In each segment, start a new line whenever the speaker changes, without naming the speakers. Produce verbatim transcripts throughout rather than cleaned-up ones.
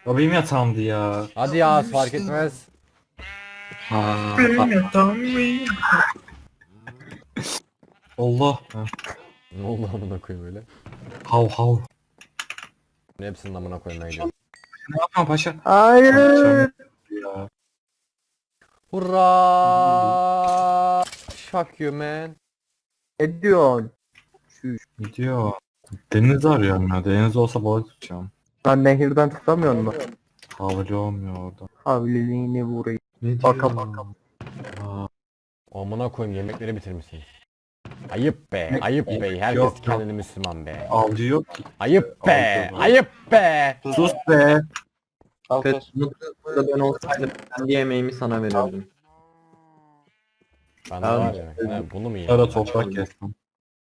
O benim yatağımdı ya.
Hadi ya fark etmez.
Ha,
Benim yatağım benim.
Allah. Ha,
Ne oldu amına koyayım öyle?
hav hav.
Hepsinin amına koymaya gidiyorum.
Ne yapma paşa?
Hayır.
Ya.
Hurra! Fuck you man.
Ne diyorsun? Şuş.
Gidiyor. Deniz arıyorum ya. Deniz olsa balık tutacağım.
Lan nehirden tutamıyor mu?
Havli olmuyor orada.
Havliliğini vurayım.
Ne
Baka
diyor?
baka.
Aa,
Amına koyayım yemekleri bitirmişsiniz. Ayıp be,
Ne-
ayıp be. Herkes
Yok, yok.
kendini Müslüman be.
avcı yok ki.
Ayıp be,
Aldı bu.
ayıp be.
Sus be.
Pet Mutlu'da ben olsaydım kendi yemeğimi sana verirdim.
Ben de
Abi,
var ya. he, bunu mu yiyeyim?
Ara toprak kestim.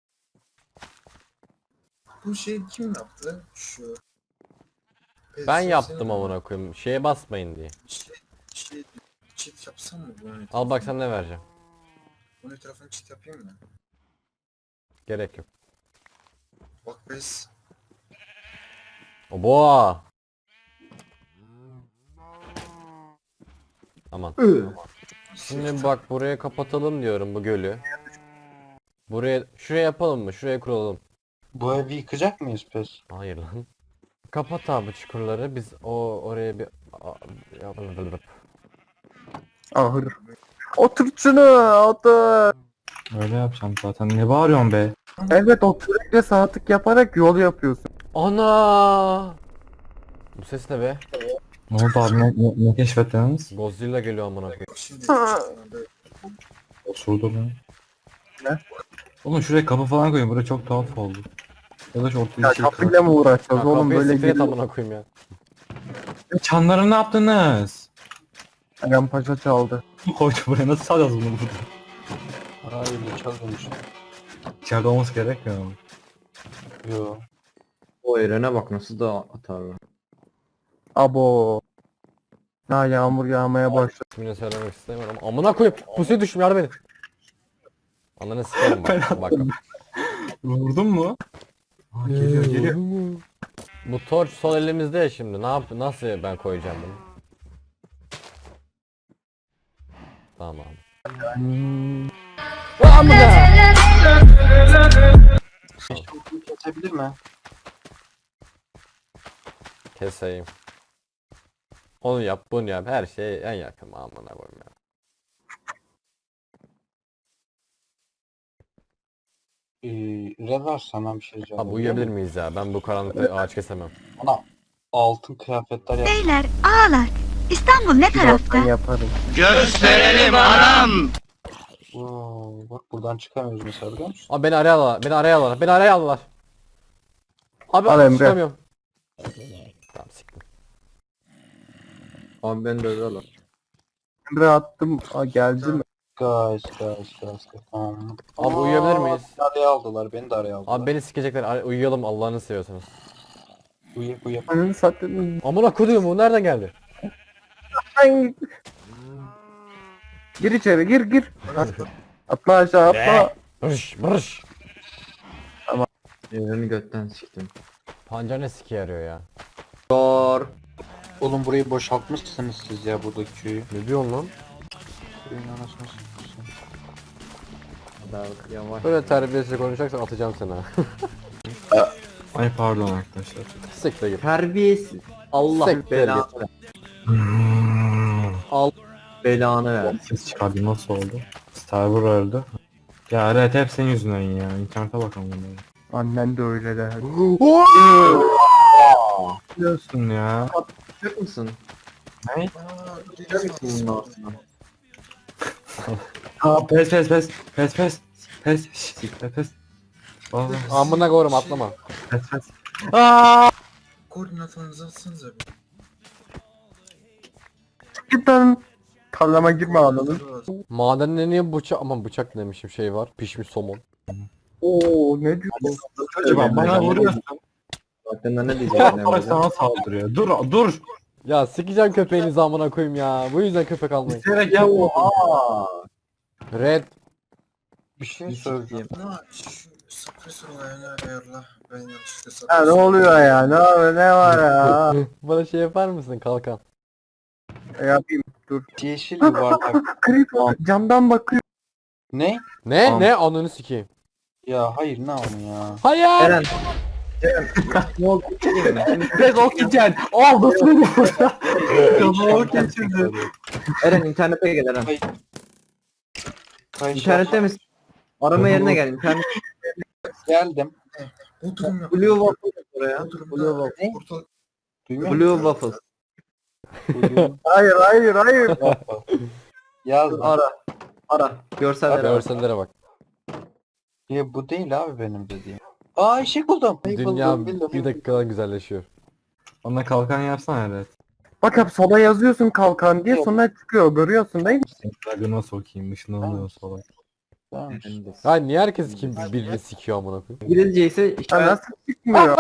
Bu şeyi kim yaptı? Şu.
Ben yaptım amına koyayım. Şeye basmayın diye.
Şey, şey, cheat yapsam mı? Bunun
Al bak sana ne vereceğim.
Bunun etrafını cheat yapayım mı?
Gerek yok.
Bak biz.
O boğa. Aman. Şimdi bak buraya kapatalım diyorum bu gölü. Buraya şuraya yapalım mı? Şuraya kuralım.
Bu evi yıkacak mıyız pes?
Hayır lan. Kapat abi çukurları. Biz o oraya bir a- yapalım.
Ahır. Otur şunu otur.
Öyle yapacağım zaten. Ne bağırıyorsun be?
Evet o kürekle sağ tık yaparak yol yapıyorsun.
Ana! Bu ses ne be?
Ne oldu abi? Ne, ne, ne keşfettiniz?
Godzilla geliyor amına koyayım.
Bak şimdi.
Osurdu lan.
Ne?
Oğlum şuraya kapı falan koyun. Burası çok tuhaf oldu. Ya da şu ortaya
Ya
bir şey
kapıyla mı uğraşacağız
Ya
oğlum
kafayı
böyle
siklet
geliyor.
amına koyayım ya.
E, çanları ne yaptınız?
Eren Paşa çaldı.
Koydu buraya. Nasıl salacağız bunu burada?
Hayır çalıyormuş.
İçeride olması gerekmiyor mu?
Yo. O Eren'e bak nasıl da atarlar.
Abo. Ya yağmur yağmaya başladı.
Şimdi söylemek istemiyorum ama amına koyayım. Pusuya düştüm yardım edin. Ananı sikerim
Ben
bak. bak.
Vurdun mu? Aa, geliyor geliyor.
Bu torç sol elimizde ya şimdi. Ne yap nasıl ben koyacağım bunu? Tamam.
Kesebilir mi?
Keseyim. Onu yap, bunu yap. Her şey en yakın amına koyayım ya.
Ee, Rever sana bir şey diyeceğim.
Abi uyuyabilir miyiz ya? Ben bu karanlıkta ağaç kesemem.
Bana altın kıyafetler yap.
Beyler, ağalar. İstanbul ne tarafta?
Ben yaparım.
Wow, bak buradan çıkamıyoruz mesela biliyor musun?
Abi beni araya aldılar. Beni araya aldılar. Beni araya aldılar. Abi
Al Emre.
çıkamıyorum. Tamam siktim.
Abi ben de öyle alırım.
Emre attım. Aa, geldi mi?
Guys, guys, guys, guys. Tamam.
Abi uyuyabilir miyiz?
Beni araya aldılar, beni de araya aldılar.
Abi beni sikecekler. Ar- Uyuyalım Allah'ını seviyorsanız.
Uyuyak uyuyak.
Ananı satayım.
Amına koyduğum bu nereden geldi?
Ay. Gir içeri gir gir. Atla aşağı atla.
Bırış bırış.
Eren'i götten siktim.
Pancar ne siki yarıyor ya?
Doğru. Oğlum burayı boşaltmışsınız siz ya buradaki köyü.
Ne diyorsun lan?
Köyün anasını sikmişsin. Yavaş.
Böyle terbiyesiz konuşacaksan atacağım seni ha.
Ay pardon arkadaşlar.
Siktir git.
Terbiyesiz. Allah
Siktir
belanı ver. Al belanı ver.
Ses çıkardı nasıl oldu? Starboard öldü. Ya evet hep senin yüzünden ya. İnternete bakalım bunları.
Annen de öyle der.
Biliyorsun ya.
Yapacak mısın?
Ne?
Yapacak mısın bunun altına?
Aa pes pes pes. Pes pes. Pes. Şşş, Pes pes. Aa,
Amına koyarım atlama.
pes pes.
Koordinatlarınızı atsanıza bir.
Git lan. Tarlama girme anladın.
Madende niye bıçak aman bıçak demişim şey var. Pişmiş somon.
Oo ne diyorsun?
Acaba bana vuruyorsun.
Zaten ne diyeceksin
Sonra
Emre'den?
sana saldırıyor. Dur dur.
Ya sikeceğim köpeğinizi amına koyayım ya. Bu yüzden köpek almayın.
İsteyerek yapma.
Aa,
Red.
bir şey söyleyeyim.
Ama şu Suppressor olayını ayarla. Ben yanlışlıkla
Ya ne
suppressor-
oluyor ya? Ne, ne var ya?
Bana şey yapar mısın kalkan?
Yapayım.
Yeşil yuvarlak.
Creeper camdan bakıyor.
Ne?
Ne
Tamam.
ne ananı sikeyim.
Ya hayır ne ama ya.
Hayır.
Eren. Eren. Ne oldu? Geçeyim mi? Şimdi
Tek oksijen. Aldı seni burada. Kafama geçirdi.
Eren internete gel Eren.
Kayış
İnternette misin? Arama yerine gel. İnternet.
geldim.
Bu durum yok.
Blue Waffle yap oraya.
Bu durumda
Blue Waffle.
Ne?
portal
Duymuyor
Blue
musun?
Waffle.
Hayır hayır hayır.
Yazdım.
Ara. Ara. Görsel ara.
Görsellere bak.
Ya bu değil abi benim dediğim. Aa eşek buldum. Ay,
Dünya
buldum, buldum.
bir dakikadan güzelleşiyor.
Ona kalkan yapsana evet.
Bak hep sola yazıyorsun kalkan diye sonra çıkıyor. Görüyorsun değil mi?
Dragon'a sokayım ışınlanıyor sola.
Tamam.
Ha niye herkes kim birini sikiyor amına koyayım?
İngilizce ise
Ya
işaret
nasıl çıkmıyor?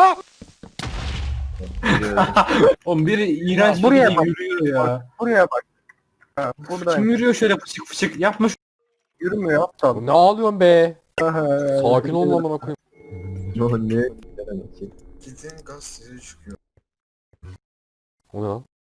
Oğlum biri iğrenç
Buraya
bir
bak.
yürüyor ya.
Buraya bak. Ha, burada
Kim yürüyor şöyle fışık fışık yapma şu.
yürümüyor aptal.
Ne ağlıyorsun be?
Sakin
Sakin ol amına koyayım.
ne?
gidin gaz size çıkıyor.
O ne lan?